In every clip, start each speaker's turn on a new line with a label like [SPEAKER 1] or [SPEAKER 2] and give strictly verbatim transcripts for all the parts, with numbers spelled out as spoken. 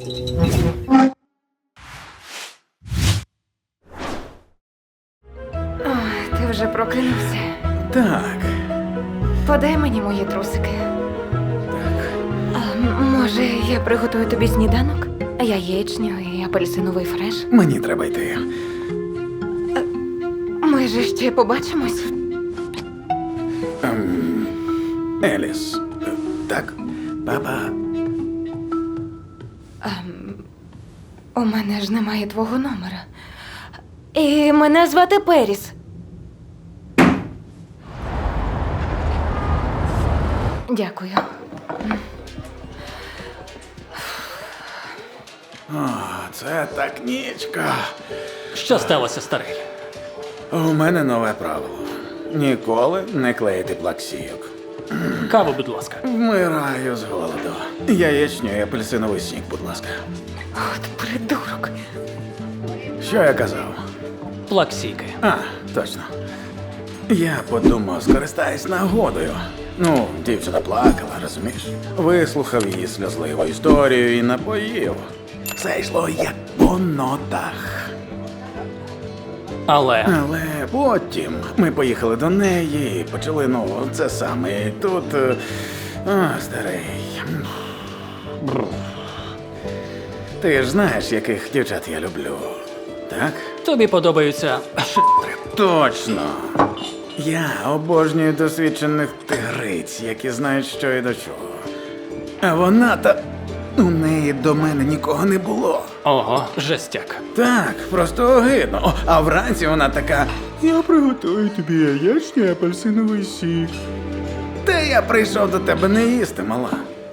[SPEAKER 1] Ой, ти вже прокинувся.
[SPEAKER 2] Так,
[SPEAKER 1] Подай мені мої трусики.
[SPEAKER 2] так.
[SPEAKER 1] А, м- може, я приготую тобі сніданок? Яєчню і апельсиновий фреш.
[SPEAKER 2] Мені треба йти.
[SPEAKER 1] Ми же ще побачимось.
[SPEAKER 2] Ем, Еліс. е, Так, папа.
[SPEAKER 1] У мене ж немає твого номера. І мене звати Періс. Дякую.
[SPEAKER 2] О, це так нічка.
[SPEAKER 3] Що сталося, старий?
[SPEAKER 2] У мене нове правило. Ніколи не клеїти плаксійок.
[SPEAKER 3] Каву, будь ласка.
[SPEAKER 2] Вмираю з голоду. Яєчню і апельсиновий сік, будь ласка.
[SPEAKER 1] От придурок.
[SPEAKER 2] Що я казав?
[SPEAKER 3] Плаксійки.
[SPEAKER 2] А, точно. Я подумав, скористаюсь нагодою. Ну, дівчина плакала, розумієш? Вислухав її сльозливу історію і напоїв. Все йшло як по нотах.
[SPEAKER 3] Але
[SPEAKER 2] Але потім ми поїхали до неї і почали, ну, це саме. І тут. е, А, старий. Бррр. Ти ж знаєш, яких дівчат я люблю, так?
[SPEAKER 3] тобі подобаються шитри.
[SPEAKER 2] Точно. Я обожнюю досвідчених тигриць, які знають, що і до чого. А вона та. У неї до мене нікого не було.
[SPEAKER 3] Ого, жестяк.
[SPEAKER 2] Так, просто огидно. О, а вранці вона така: я приготую тобі яєчню і апельсиновий сік. Та я прийшов до тебе не їсти, мала.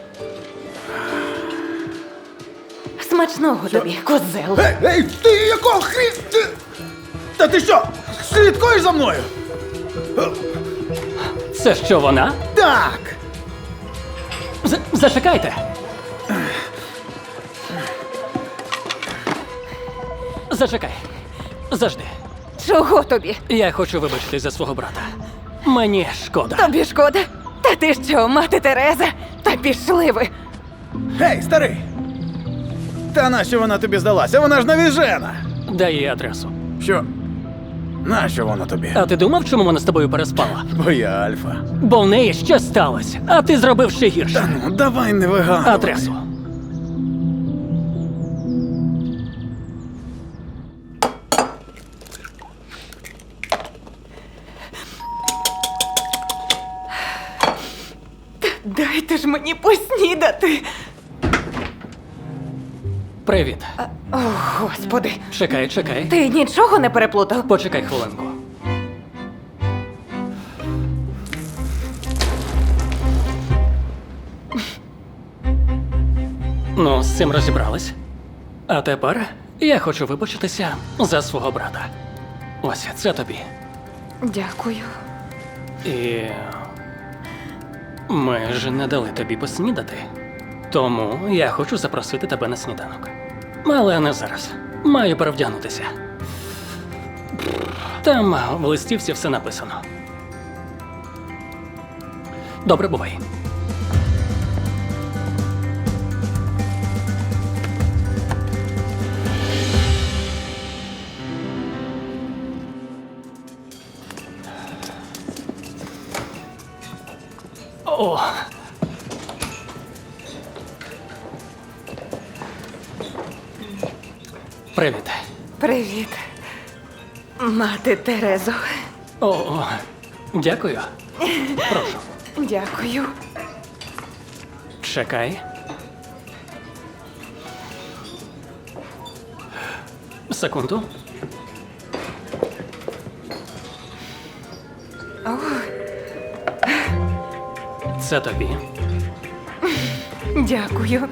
[SPEAKER 1] Смачного тобі, козел.
[SPEAKER 2] Ей, ей, ти якого хрі... Ти... Та ти що, слідкуєш за мною?
[SPEAKER 3] Це що вона?
[SPEAKER 2] Так!
[SPEAKER 3] З- зачекайте. Зачекай. Завжди.
[SPEAKER 1] Чого тобі?
[SPEAKER 3] Я хочу вибачитись за свого брата. Мені шкода.
[SPEAKER 1] Тобі шкода? Та ти що, мати Тереза? Та пішли ви.
[SPEAKER 2] Гей, старий! Та нащо вона тобі здалася? Вона ж навіжена!
[SPEAKER 3] Дай їй адресу.
[SPEAKER 2] Що? Нащо вона тобі?
[SPEAKER 3] А ти думав, чому вона з тобою переспала?
[SPEAKER 2] Бо я альфа.
[SPEAKER 3] Бо в неї щось сталося, а ти зробив ще
[SPEAKER 2] Та
[SPEAKER 3] гірше.
[SPEAKER 2] ну, давай не вигадуй.
[SPEAKER 3] Адресу.
[SPEAKER 1] Дайте ж мені поснідати.
[SPEAKER 3] Привіт.
[SPEAKER 1] О, господи.
[SPEAKER 3] Чекай, чекай.
[SPEAKER 1] Ти нічого не переплутав?
[SPEAKER 3] Почекай хвилинку. Ну, з цим розібрались. А тепер я хочу вибачитися за свого брата. Ось це тобі.
[SPEAKER 1] Дякую.
[SPEAKER 3] І ми ж не дали тобі поснідати. Тому я хочу запросити тебе на сніданок. Але не зараз. Маю перевдягнутися. Там в листівці все написано. Добре, бувай. О. Привіт.
[SPEAKER 1] Привіт. Мати Терезо.
[SPEAKER 3] О, о, дякую. Прошу.
[SPEAKER 1] Дякую.
[SPEAKER 3] Чекай. Секунду.
[SPEAKER 1] О,
[SPEAKER 3] Це тобі.
[SPEAKER 1] дякую.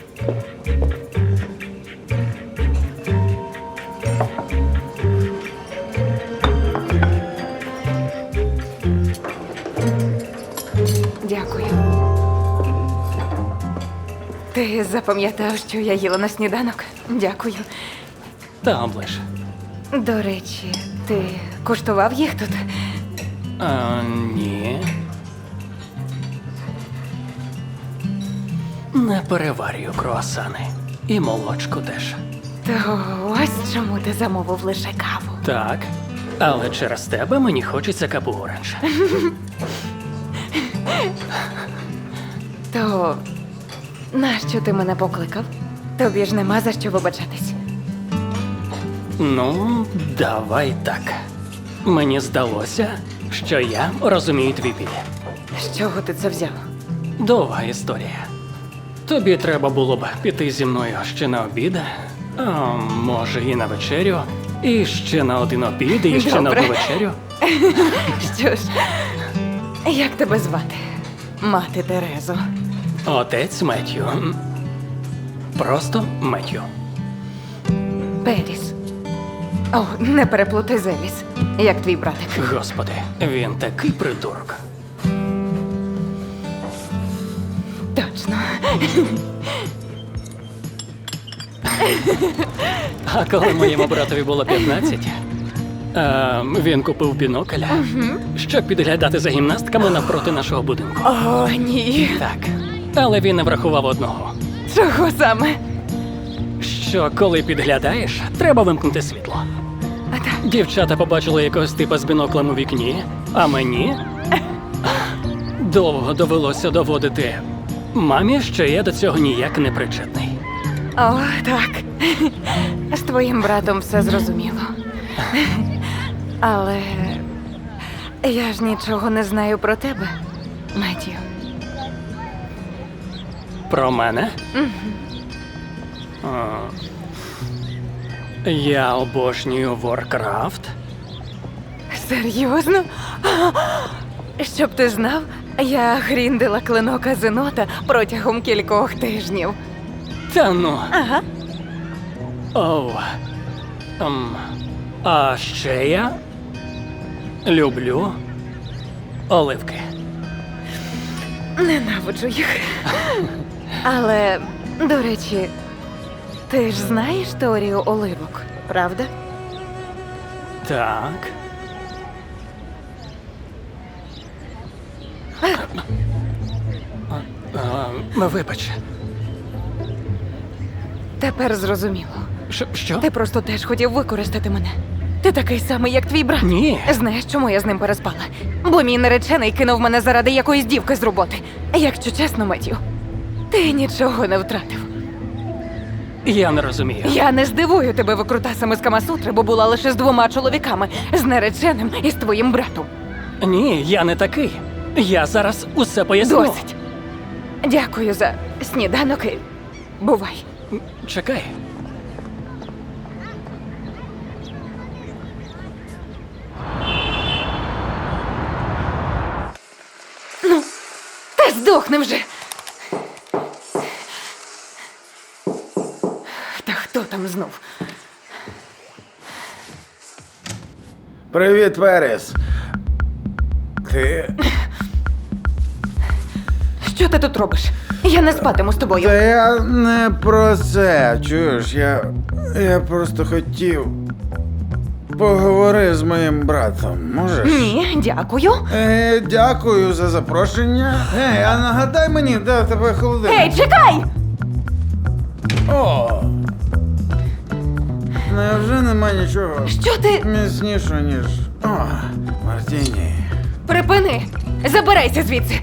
[SPEAKER 1] Дякую. Ти запам'ятав, що я їла на сніданок? Дякую.
[SPEAKER 3] Та оближ.
[SPEAKER 1] До речі, ти куштував їх тут?
[SPEAKER 3] А, ні. Не переварюю круасани. І молочку теж.
[SPEAKER 1] То ось чому ти замовив лише каву.
[SPEAKER 3] Так. Але через тебе мені хочеться капу оранж.
[SPEAKER 1] То нащо ти мене покликав? Тобі ж нема за що вибачатись.
[SPEAKER 3] Ну, давай так. Мені здалося, що я розумію твій біль.
[SPEAKER 1] З чого ти це взяв?
[SPEAKER 3] Довга історія. Тобі треба було б піти зі мною ще на обід, а може і на вечерю, і ще на один обід, і ще на
[SPEAKER 1] Добре.
[SPEAKER 3] одну вечерю.
[SPEAKER 1] Що ж, як тебе звати? Мати Терезо.
[SPEAKER 3] Отець Меттью. Просто Меттью.
[SPEAKER 1] Періс. О, не переплутай з Еліс, як твій братик.
[SPEAKER 3] Господи, він такий придурок.
[SPEAKER 1] Точно.
[SPEAKER 3] А коли моєму братові було п'ятнадцять, е, він купив бінокля, щоб підглядати за гімнастками навпроти нашого будинку.
[SPEAKER 1] О, ні.
[SPEAKER 3] Так. Але він не врахував одного.
[SPEAKER 1] Чого саме?
[SPEAKER 3] Що коли підглядаєш, треба вимкнути світло.
[SPEAKER 1] А так,
[SPEAKER 3] Дівчата побачили якогось типа з біноклем у вікні, а мені довго довелося доводити мамі, що я до цього ніяк не причетний.
[SPEAKER 1] о, так. З твоїм братом все зрозуміло. Але я ж нічого не знаю про тебе, Меттю.
[SPEAKER 3] Про мене? А, я обожнюю Warcraft.
[SPEAKER 1] Серйозно? Щоб ти знав, я гріндила клинок Азенота протягом кількох тижнів.
[SPEAKER 3] Та ну.
[SPEAKER 1] Ага.
[SPEAKER 3] Оу. Ем, а ще я люблю оливки.
[SPEAKER 1] Ненавиджу їх. Але, до речі, ти ж знаєш теорію оливок, правда?
[SPEAKER 3] Так. А, а, вибач.
[SPEAKER 1] Тепер зрозуміло.
[SPEAKER 3] Що? що?
[SPEAKER 1] Ти просто теж хотів використати мене. Ти такий самий, як твій брат.
[SPEAKER 3] Ні.
[SPEAKER 1] Знаєш, чому я з ним переспала? Бо мій наречений кинув мене заради якоїсь дівки з роботи. Якщо чесно, Меттю, ти нічого не втратив.
[SPEAKER 3] Я не розумію.
[SPEAKER 1] Я не здивую тебе викрутасами з Камасутри, бо була лише з двома чоловіками, з нареченим і з твоїм братом.
[SPEAKER 3] Ні, я не такий. Я зараз усе поясню.
[SPEAKER 1] Досить. Дякую за сніданок і бувай.
[SPEAKER 3] Чекай.
[SPEAKER 1] Та здохни вже. Та хто там знов?
[SPEAKER 2] Привіт, Перес. Ти.
[SPEAKER 1] Що ти тут робиш? Я не спатиму з тобою.
[SPEAKER 2] Та я не про це. Чуєш, я. Я просто хотів. Поговори з моїм братом, можеш?
[SPEAKER 1] Ні, дякую.
[SPEAKER 2] Е, дякую за запрошення. Ей, а нагадай мені, де в тебе холодильник?
[SPEAKER 1] Ей, чекай!
[SPEAKER 2] О! Невже нема нічого
[SPEAKER 1] Що ти?
[SPEAKER 2] міцнішого, ніж. О, Мартіні.
[SPEAKER 1] Припини! Забирайся звідси!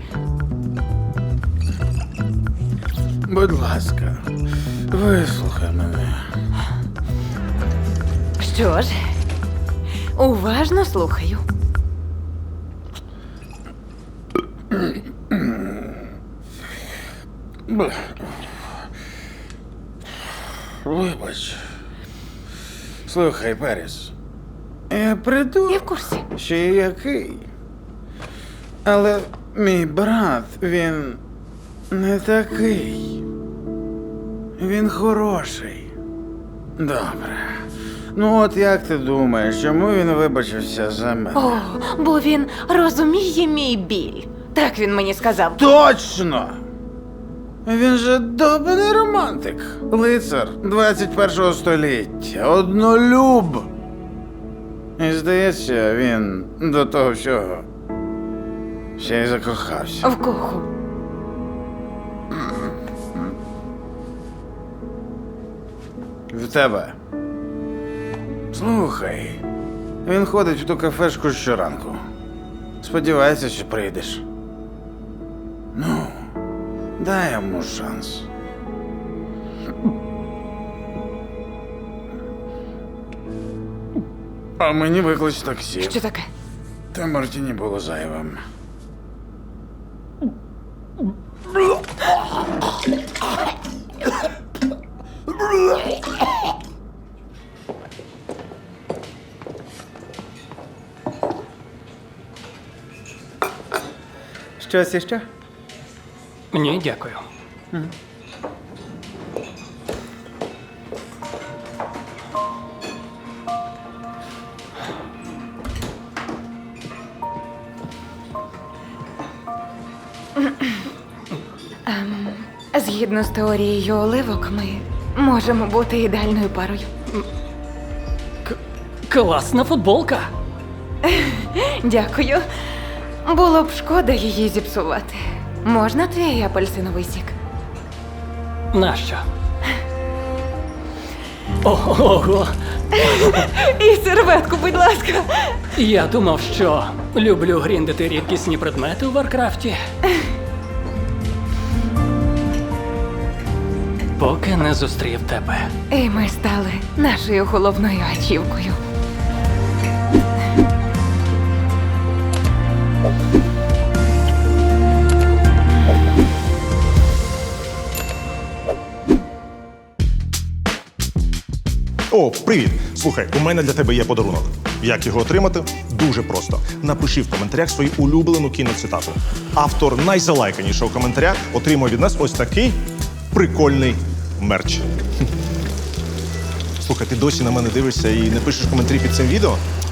[SPEAKER 2] Будь ласка, вислухай мене.
[SPEAKER 1] Що ж, уважно слухаю.
[SPEAKER 2] Бля. Вибач. Слухай, Періс. Я придумав,
[SPEAKER 1] Я в курсі.
[SPEAKER 2] що я який. Але мій брат, він не такий. Він хороший. Добре. Ну от як ти думаєш, чому він вибачився за мене?
[SPEAKER 1] О, бо він розуміє мій біль. Так він мені сказав.
[SPEAKER 2] Точно! Він же довбаний романтик. Лицар двадцять першого століття. Однолюб. І здається, він до того всього ще й закохався.
[SPEAKER 1] В кого?
[SPEAKER 2] В тебе. Слухай, він ходить в ту кафешку щоранку. Сподівається, що прийдеш. Ну, дай йому шанс. А мені виклич таксі.
[SPEAKER 1] Що таке?
[SPEAKER 2] Та Мартіні було зайвим. Щось іще?
[SPEAKER 3] Ні, дякую.
[SPEAKER 1] Згідно з теорією оливок, ми можемо бути ідеальною парою.
[SPEAKER 3] Класна футболка.
[SPEAKER 1] Дякую. Було б шкода її зіпсувати. Можна твій апельсиновий сік?
[SPEAKER 3] Нащо? Ого!
[SPEAKER 1] І серветку, будь ласка.
[SPEAKER 3] Я думав, що люблю гріндити рідкісні предмети у Варкрафті. Поки не зустрів тебе.
[SPEAKER 1] І ми стали нашою головною ачівкою.
[SPEAKER 4] О, привіт! Слухай, у мене для тебе є подарунок. Як його отримати? Дуже просто. Напиши в коментарях свою улюблену кіноцитату. Автор найзалайканішого коментаря отримує від нас ось такий прикольний мерч. Слухай, ти досі на мене дивишся і не пишеш коментарі під цим відео?